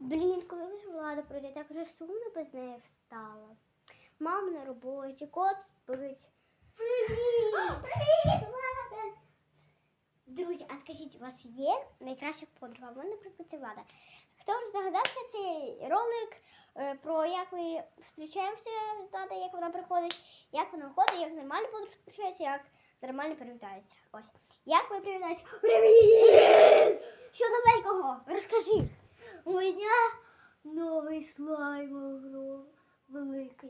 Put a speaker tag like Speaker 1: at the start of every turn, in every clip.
Speaker 1: Блін, коли ж Влада прийде, так же сумно без неї встала. Мама на роботі, кот спить. Привіт! Привіт, Влада! Друзі, а скажіть, у вас є найкраща подруга? У мене, наприклад, це Влада. Хто ж загадався цей ролик про як ми зустрічаємося з Владою, як вона приходить, як вона ходить, як нормально подружка зустрічається, як нормально привітаються. Ось. Як ви привітаєтеся? Привіт! Що новенького? Розкажи. У мене новий слайм великий.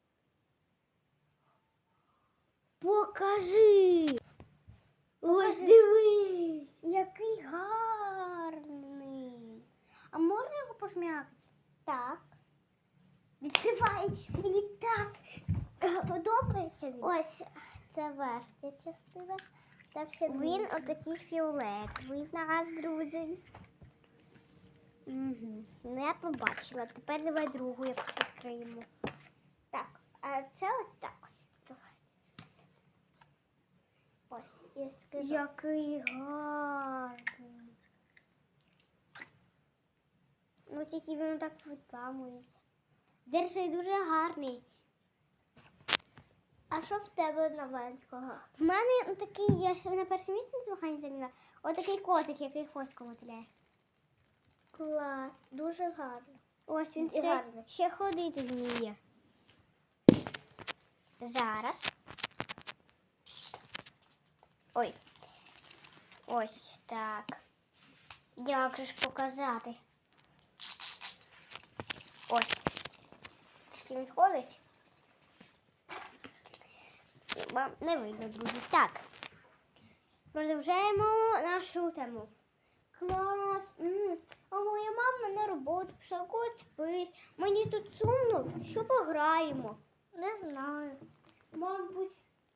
Speaker 1: Покажи. Ось дивись. Який гарний. А можна його пожмякати? Так. Відкривай. Мені так подобається він. Ось це верхня частина. Він отакий фіолетовий в нас, друзі. Угу. Ну, я побачила. Тепер давай другу якось відкриємо. Так, а це ось так ось відкривається. Ось, я скажу. Який гарний. Ну, тільки він так відламується. Держи, дуже гарний. А що в тебе новенького? В мене такий, я ще на перше місце на змаганні зайняла. Отакий котик, який хвостиком мотиляє. Клас, дуже гарно. Ось він ще ходити вміє. Зараз. Ой. Ось так. Як же ж показати? Ось. Він ходить. Вам не видно, друзі. Так. Продовжаємо нашу тему. Клас. А моя мама на роботу пішла, кот спить. Мені тут сумно. Що пограємо? Не знаю. Мабуть,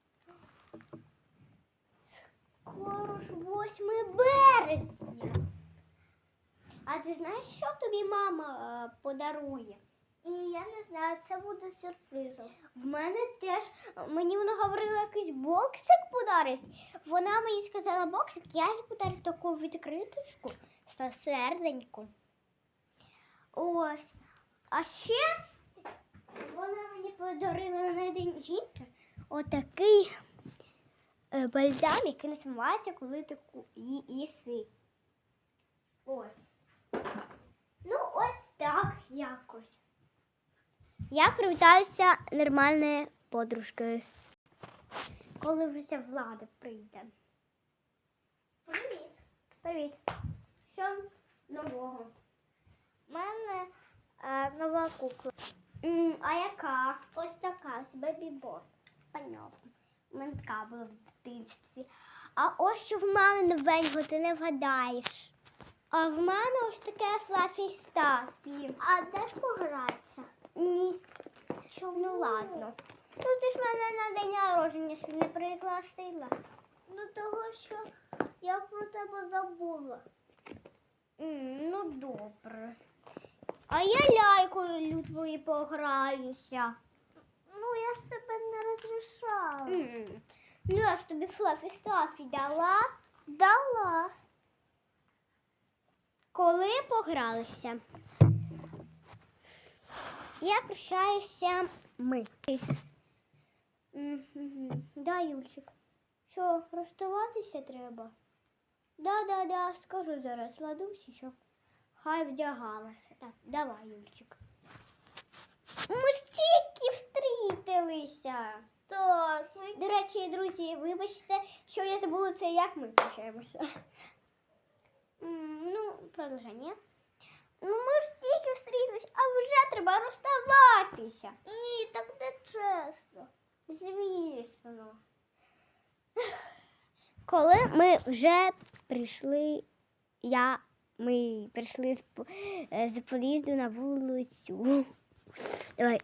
Speaker 1: скоро ж 8 березня. А ти знаєш, що тобі мама подарує? Ні, я не знаю, це буде сюрпризом. В мене теж, мені вона говорила, якийсь боксик подарить. Вона мені сказала боксик, я їй подарю таку відкриточку з серденьком. Ось. А ще вона мені подарила на день жінки отакий бальзам, який не смивається, коли ти їси. Ось. Ну, ось так якось. Я привітаюся нормальною подружкою, коли вже ця Влада прийде. Привіт. Привіт. Що нового? У мене нова кукла. А яка? Ось така, з бебі-бор. Понятно. У мене така була в дитинстві. А ось що в мене новенького, ти не вгадаєш. А в мене ось таке Флафі Стафі. А де ж погратися? Ні. Що, ну ладно. Ну ти ж мене на день народження сюди не пригласила. Ну того, що я про тебе забула. Ну добре. А я лялькою твої пограюся. Ну я ж тебе не розрішала. Ну я ж тобі Флафі Стафі дала? Дала. Коли погралися, я прощаюся ми. Да, Юльчик. Що, розставатися треба? Да, скажу зараз Владусі, що хай вдягалася. Так, давай, Юльчик. Ми ж тільки встрітилися. Так. До речі, друзі, вибачте, що я забула це, як ми прощаємося. Ну, продовження. Ну, ми ж тільки встрілись, а вже треба розставатися. Ні, так не чесно. Звісно. Коли ми вже прийшли, ми прийшли з під'їзду на вулицю. Давай.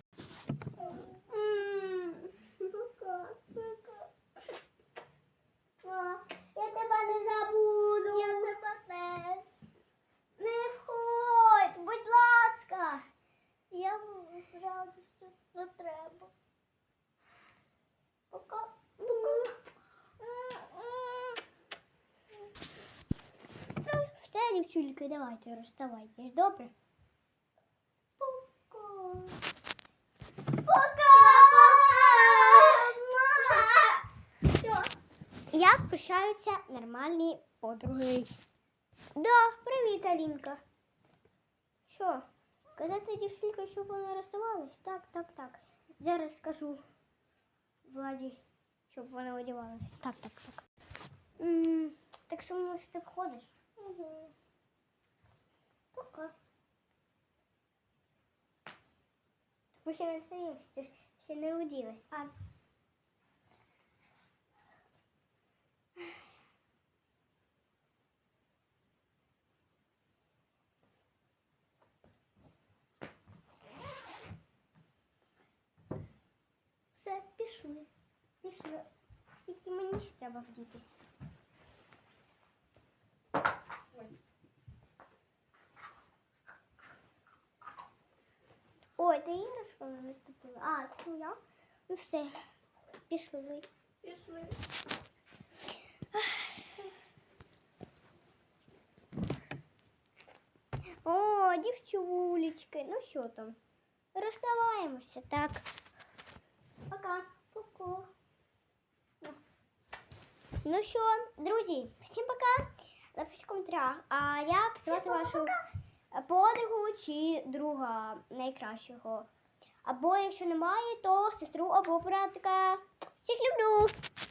Speaker 1: Я тебе не забуду. Я тебе теж. Не входь, будь ласка. Я з радістю, не треба. Пока. Все, дівчульки, давайте розставайтесь, добре? Пока! Все. Як прощаються нормальні подруги? Да, привіт, Алінка. Що? Казати дівчинка, щоб вони розставались? Так. Зараз скажу Владі, щоб вони одягались. Так. Так що, може, ти входиш? Угу. Пока. Ми ще не встаєш, ти ж ще не оділась. Все, пішли. Тільки мені ще треба вдітись. Ой, ти іграшка не наступила. А, це я? Ну все, пішли. О, дівчулечки, ну що там? Розставаємося, так. Пока. Ну що, друзі, всім пока. Напишіть в коментарях, а як звати вашу подругу чи друга найкращого. Або якщо немає, то сестру або братика. Всіх люблю!